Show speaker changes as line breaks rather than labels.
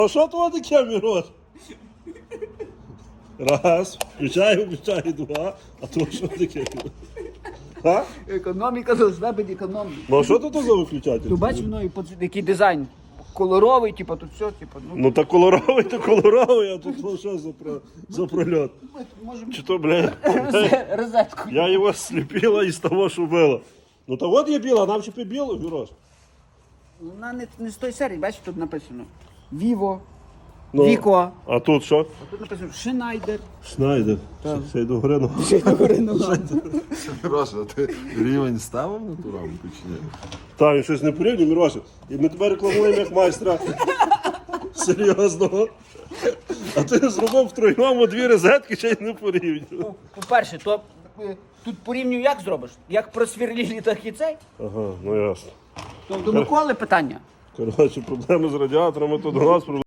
А що то таке, Мірош? Раз, включаю, два. А то що таке? А?
Економіка должна бути економіка.
Ну а що то за виключатель?
Ти бачиш, ну, який дизайн кольоровий, типу, тут все, типу, ну.
Ну та кольоровий, а тут ну, що за прольот?
Ми можемо
Чи то, блядь,
розетку.
я його сліпила із того, що було. Ну та от є біла, нам ще біло, Мірош.
Вона не з тої серії, бачиш, тут написано Vivo,
Ну,
Vico.
А тут що?
А тут написано Schneider.
Шнайдер. Ще й до гори.
Мироша, а ти рівень ставив на ту рамку чи ні?
Та, він щось не порівнює, Міроша. І ми тебе рекламуємо як майстра. Серйозно. А ти зробив втроєм дві розетки, ще й не порівнює.
Ну, по-перше, то тут порівнюю як зробиш? Як просверлили, так і цей.
Ага, ну ясно.
То до Миколи питання.
Коротше, проблеми з радіаторами, то до нас проблеми.